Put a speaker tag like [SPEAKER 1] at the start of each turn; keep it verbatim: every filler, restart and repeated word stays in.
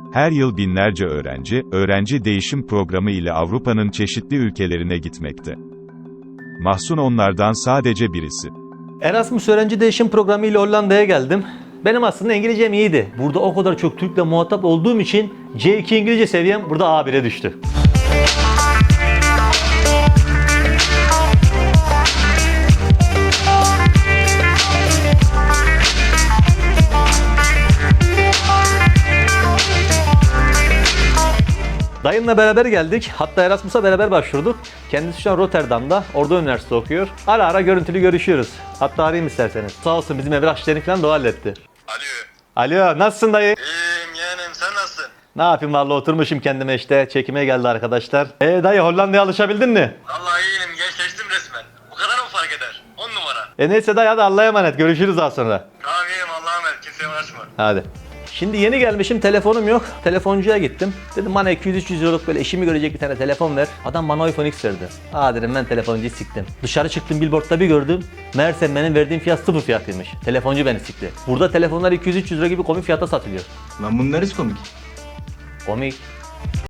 [SPEAKER 1] Her yıl binlerce öğrenci, öğrenci değişim programı ile Avrupa'nın çeşitli ülkelerine gitmekte. Mahsun onlardan sadece birisi.
[SPEAKER 2] Erasmus öğrenci değişim programı ile Hollanda'ya geldim. Benim aslında İngilizcem iyiydi. Burada o kadar çok Türk'le muhatap olduğum için C iki İngilizce seviyem burada A bire düştü. Dayımla beraber geldik. Hatta Erasmus'a beraber başvurduk. Kendisi şu an Rotterdam'da. Orada üniversite okuyor. Ara ara görüntülü görüşüyoruz. Hatta arayayım isterseniz. Sağ olsun bizim evrak işlerini falan da o halletti.
[SPEAKER 3] Alo.
[SPEAKER 2] Alo, nasılsın dayı?
[SPEAKER 3] İyiyim yeğenim, sen nasılsın?
[SPEAKER 2] Ne yapayım vallahi oturmuşum kendime işte. Çekime geldi arkadaşlar. Ee dayı Hollanda'ya alışabildin mi?
[SPEAKER 3] Vallahi iyiyim, gençleştim resmen. Bu kadar mı fark eder? On numara.
[SPEAKER 2] E neyse dayı hadi Allah'a emanet. Görüşürüz daha sonra.
[SPEAKER 3] Tamam iyiyim, Allah'a emanet, kimseye uğraşma.
[SPEAKER 2] Hadi. Şimdi yeni gelmişim, telefonum yok. Telefoncuya gittim. Dedim bana iki yüz üç yüz euroluk böyle işimi görecek bir tane telefon ver. Adam bana iPhone X verdi. Aa dedim ben telefoncuyu siktim. Dışarı çıktım, billboardda bir gördüm. Meğerse benim verdiğim fiyat sıfır fiyatıymış. Telefoncu beni sikti. Burada telefonlar iki yüz üç yüz lira gibi komik fiyata satılıyor.
[SPEAKER 4] Lan bunlar hiç komik.
[SPEAKER 2] Komik.